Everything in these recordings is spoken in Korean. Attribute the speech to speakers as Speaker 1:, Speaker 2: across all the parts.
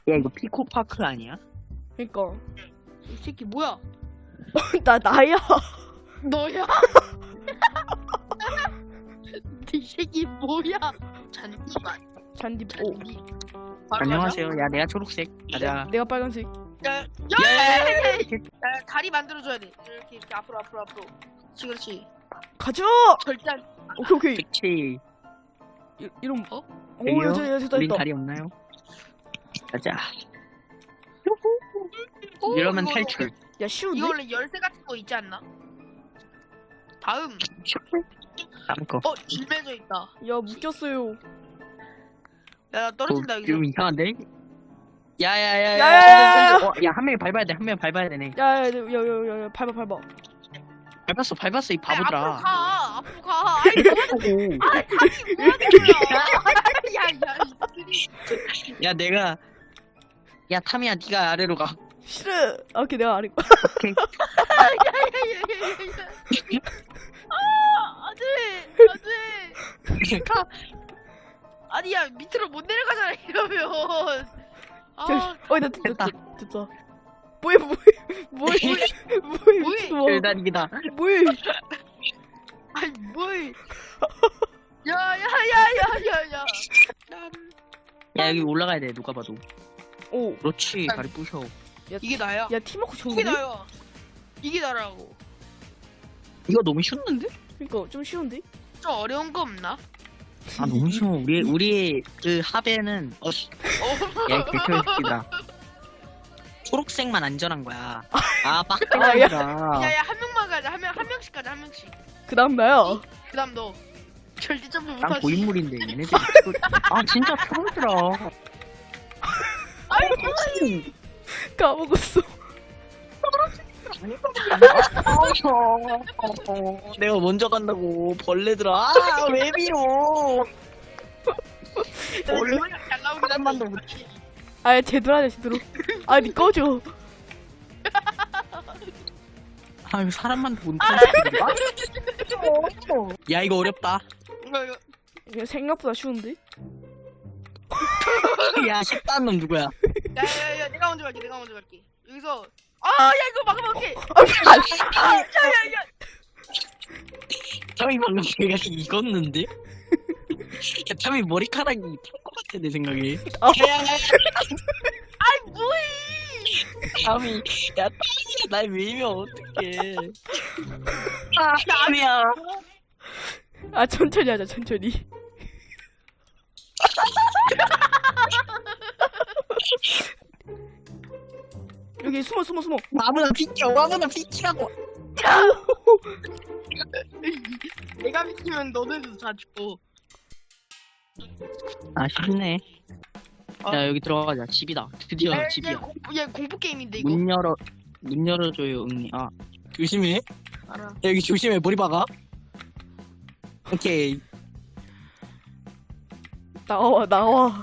Speaker 1: 야 이거 피코파크 아니야?
Speaker 2: 그니까.
Speaker 3: 이 새끼 뭐야?
Speaker 2: 나야.
Speaker 3: 너야? 이 새끼 뭐야? 잔디밭.
Speaker 2: 잔디. 오.
Speaker 3: 바로
Speaker 1: 안녕하세요. 야 내가 초록색. 가자.
Speaker 2: 내가 빨간색.
Speaker 3: 가자.
Speaker 1: 야,
Speaker 3: 다리 만들어줘야 돼. 이렇게 앞으로. 그렇지.
Speaker 2: 가자.
Speaker 3: 절대 안.
Speaker 2: 오케이.
Speaker 1: 그치.
Speaker 2: 이런.
Speaker 3: 어?
Speaker 2: 오,
Speaker 1: 저기요?
Speaker 2: 됐다.
Speaker 1: 우린 다리 없나요? 가자. 이러면
Speaker 3: 이거-
Speaker 1: 탈출.
Speaker 2: 야, 쉬운데?
Speaker 3: 이거 원래 열쇠 같은 거 있지 않나? 다음.
Speaker 1: 다음 거.
Speaker 3: 질매져 있다.
Speaker 2: 야, 묶였어요.
Speaker 3: 야, 나 떨어진다 여기서.
Speaker 1: 좀 이상한데?
Speaker 2: 야야야야.
Speaker 1: 야야야야. 야 한 명이 밟아야 돼. 한 명이 밟아야 되네.
Speaker 2: 야, 밟아.
Speaker 1: 밟았어 이
Speaker 3: 아니,
Speaker 1: 바보들아.
Speaker 3: 앞으로 가. 아이
Speaker 1: 하고.
Speaker 3: 다시 뭐 하는 거야? 야,
Speaker 1: 야 내가. 야 타미야 네가 아래로 가.
Speaker 2: 싫어. 아, 오케이, 내가 아래.
Speaker 1: 오케이.
Speaker 3: 안돼. 아니야 밑으로 못 내려가잖아 이러면.
Speaker 2: 나
Speaker 1: 됐다.
Speaker 2: 됐다. 뭐해?
Speaker 3: 뭐해?
Speaker 1: 일단 이기다.
Speaker 2: 뭐해?
Speaker 3: 아니 뭘? 야야야야야야.
Speaker 1: 야 여기 올라가야 돼 누가 봐도.
Speaker 2: 오.
Speaker 1: 그렇지 다리 부셔.
Speaker 3: 이게 나야.
Speaker 2: 야, 팀워크
Speaker 3: 이게
Speaker 2: 좋은데?
Speaker 3: 나야. 이게 나라고.
Speaker 1: 이거 너무 쉬웠는데?
Speaker 2: 그러니까 좀 쉬운데?
Speaker 3: 좀 어려운 거 없나?
Speaker 1: 아 너무 쉬워. 우리 그 합에는 야 개새끼다. 초록색만 안전한 거야. 아 빡대가리다.
Speaker 3: 야야 한 명만 가자. 한 명씩 가자. 한 명씩.
Speaker 2: 그다음 나야.
Speaker 3: 그다음 너. 절대 점프
Speaker 1: 난
Speaker 3: 못하지.
Speaker 1: 고인물인데 얘네들. 아 진짜 초록이라.
Speaker 3: 아니
Speaker 2: 까먹었어.
Speaker 1: 내가 먼저 간다고 벌레들아. 아왜 밀어?
Speaker 3: 얼마나 잘 나오긴
Speaker 1: 사람만도
Speaker 3: 한데.
Speaker 1: 못.
Speaker 2: 아, 제대로 하자, 제대로. 아, 니 꺼줘.
Speaker 1: 아 이거 사람만도 못 타는. 야 이거 어렵다.
Speaker 3: 이거.
Speaker 2: 이거 생각보다 쉬운데?
Speaker 1: 야 식단 놈 누구야?
Speaker 3: 야야야 내가 먼저 갈게. 여기서 야 이거 막아볼게. 야야야.
Speaker 1: 탐이 방금 내가 이겼는데? 야 탐이 머리카락이 탈것 같아 내 생각에.
Speaker 3: 아이 뭐해?
Speaker 1: 탐이 야 탐이 날 밀면 어떡해. 아 탐이야.
Speaker 2: 아, 천천히 하자, 천천히. 여기 숨어.
Speaker 1: 아무나 비키라고.
Speaker 3: 내가 미치면 너네도 다 죽고.
Speaker 1: 아 쉽네. 야 여기 들어가자. 집이다. 드디어 집이야.
Speaker 3: 얘 공포 게임인데 이거.
Speaker 1: 문 열어줘요 응리. 아 조심해.
Speaker 3: 알아.
Speaker 1: 야, 여기 조심해 머리 박아. 오케이.
Speaker 2: 나와.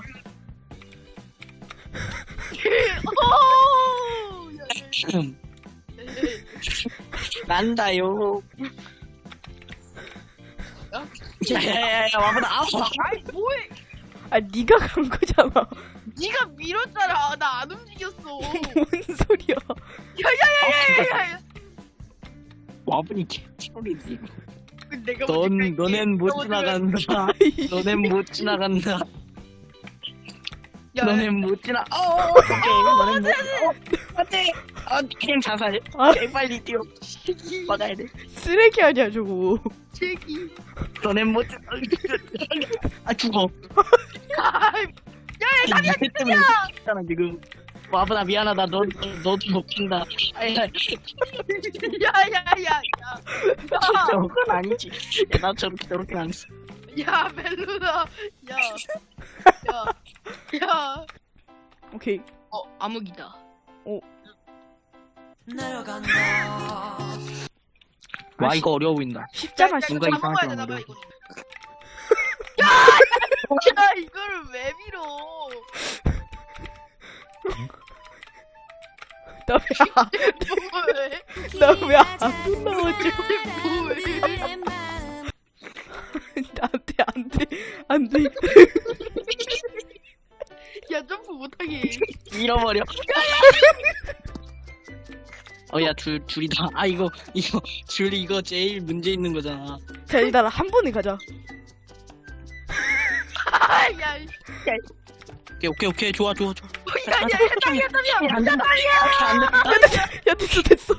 Speaker 1: 난다요. 야야야야 와보다.
Speaker 3: 아이 뭐해?
Speaker 2: 아, 니가 간 거잖아.
Speaker 3: 네가 밀었잖아. 나 안 움직였어.
Speaker 2: 뭔 소리야?
Speaker 3: 야야야야야야.
Speaker 1: 와보니 개소리지.
Speaker 3: 내가 먼저 갈게.
Speaker 1: 너넨 못
Speaker 3: 내가 먼저
Speaker 1: 지나간다. 너넨 못 지나간다.
Speaker 3: 야,
Speaker 1: 너넨 못 지나. 오케이. 너넨 못. 안돼. 그냥 자살.
Speaker 2: 아.
Speaker 1: 빨리 뛰어. 막아야 돼.
Speaker 2: 쓰레기 아니야, 저거.
Speaker 3: 새끼.
Speaker 1: 너넨 못. 죽어.
Speaker 3: 아이, 야,
Speaker 1: 야, 니 때문에 죽잖아 지금. 와보다 미안하다. 너도 먹힌다.
Speaker 3: 야야야야.
Speaker 1: 저건 아니지. 야, 나 저렇게 안 했어.
Speaker 3: 야 멜로나. 야.
Speaker 2: 오케이.
Speaker 3: 암흑이다.
Speaker 1: 와 이거 어려워 보인다.
Speaker 2: 쉽잖아,
Speaker 1: 뭔가
Speaker 2: 쉽잖아.
Speaker 1: 이상하게
Speaker 3: 먹어야 되나 봐
Speaker 1: 어려워.
Speaker 3: 이거. 야 이거를 왜 밀어? 뭐해?
Speaker 2: 나 왜 안 올라오죠?
Speaker 3: 뭐해?
Speaker 2: 안 돼.
Speaker 3: 야 점프 못하게.
Speaker 1: 잃어버려. 야, 둘이다. 아, 이거, 이거 제일 문제 있는 거잖아.
Speaker 2: 자, 일단 한 번에 가자.
Speaker 3: 야,
Speaker 1: 오케이. 좋아.
Speaker 3: 야, 땀이야.
Speaker 1: 안 된다. 안 된다.
Speaker 2: 야, 됐어.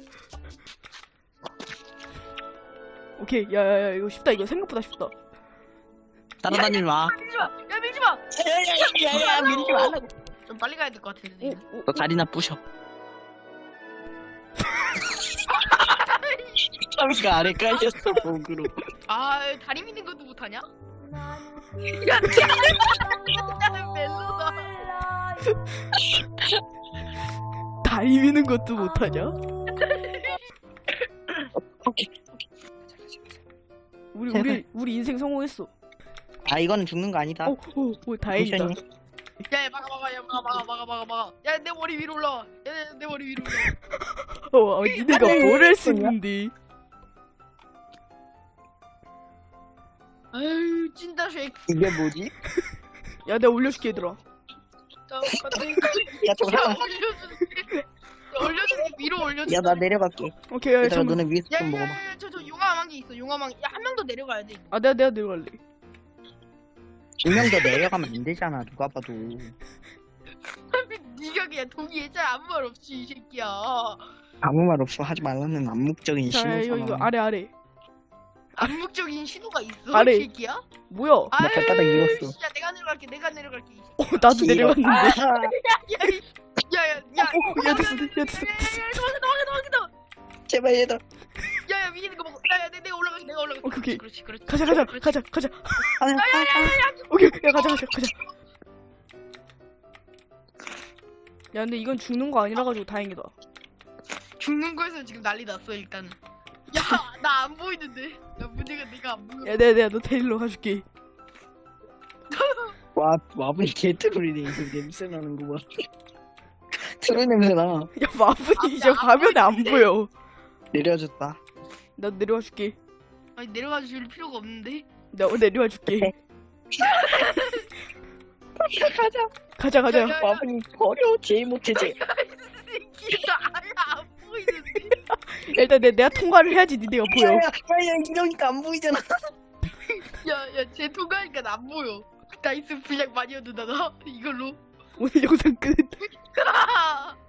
Speaker 2: 오케이, 야, 이거 쉽다. 이거 생각보다 쉽다.
Speaker 1: 따라다니지 마.
Speaker 3: 밀지 마.
Speaker 1: 야, 밀지 말라고.
Speaker 3: 좀 빨리 가야 될 것 같은데.
Speaker 1: 너 다리나 부셔. 타미가 아래 깔렸어, 목으로.
Speaker 3: 아, 다리 미는 것도 못하냐? 야, 멜로다.
Speaker 2: 다리 미는 것도 못하냐?
Speaker 1: 오케이.
Speaker 2: 우리 인생 성공했어.
Speaker 1: 아, 이거는 죽는 거 아니다.
Speaker 2: 다행이다.
Speaker 1: 천천히.
Speaker 3: 야, 막아. 야, 내 머리 위로 올라와. 야, 내 머리 위로 올라와.
Speaker 2: 니네가 뭘 할 수 있는데.
Speaker 3: 아유, 찐다 쉐이크.
Speaker 1: 이게 뭐지?
Speaker 2: 야, 내가 올려줄게, 얘들아.
Speaker 1: 야, 저 사람.
Speaker 3: 올려줄게. 위로 올려줄게.
Speaker 1: 야, 나 내려갈게.
Speaker 2: 오케이, 야,
Speaker 1: 얘들아,
Speaker 2: 잠깐만.
Speaker 1: 너네 위에서 좀 먹어봐.
Speaker 3: 저 용암왕이 있어. 용암왕. 야, 한 명 더 내려가야 돼.
Speaker 2: 아, 내가 내려갈래.
Speaker 1: 2명 더 내려가면 안 되잖아, 누가 봐도.
Speaker 3: 네가 그냥 동의했잖아. 아무 말 없이 이 새끼야.
Speaker 1: 아무 말 없어. 하지 말라는 암묵적인
Speaker 2: 자,
Speaker 1: 신호잖아.
Speaker 2: 이거 아래.
Speaker 3: 암묵적인 신호가 있어.
Speaker 2: 아래.
Speaker 3: 이 새끼야.
Speaker 2: 뭐야?
Speaker 1: 나 발바닥 잃었어.
Speaker 3: 야, 내가 내려갈게.
Speaker 2: 나도 내려갔는데.
Speaker 1: 아,
Speaker 3: 야야야야야.
Speaker 2: 야, 됐어.
Speaker 3: 도망가.
Speaker 1: 제발 얘들아.
Speaker 3: 야야 위에 있는 거 먹어. 야야 내가 올라갈게.
Speaker 2: 오케이.
Speaker 3: 그렇지.
Speaker 2: 가자.
Speaker 1: 아,
Speaker 2: 오케이, 야, 가자. 야, 근데 이건 죽는 거 아니라 가지고 다행이다.
Speaker 3: 죽는 거에서 지금 난리 났어 일단은. 야 나 안 보이는데. 야 문제가 내가 안 보여.
Speaker 2: 야, 내가 너 데리러 가줄게.
Speaker 1: 와, 와분이 개트롤이네. 이거 냄새 나는 거 봐. 트롤 냄새 나.
Speaker 2: 야, 마분이 이제 화면에 안 보여.
Speaker 1: 내려줬다.
Speaker 2: 나 내려와 줄게.
Speaker 3: 아니 내려가 줄 필요가 없는데.
Speaker 2: 나 내려와 줄게.
Speaker 1: 가자.
Speaker 2: 가자.
Speaker 3: 야,
Speaker 1: 와분이 버려. 제일 못해, 제.
Speaker 3: 새끼가 아예 안 보이는데.
Speaker 2: 일단 내가 통과를 해야지 니네가 보여.
Speaker 1: 야, 이러니까 안 보이잖아.
Speaker 3: 야야 쟤 통과하니까 안 보여. 나이스 분량 많이 얻는다 나 이걸로.
Speaker 2: 오늘 영상 끝.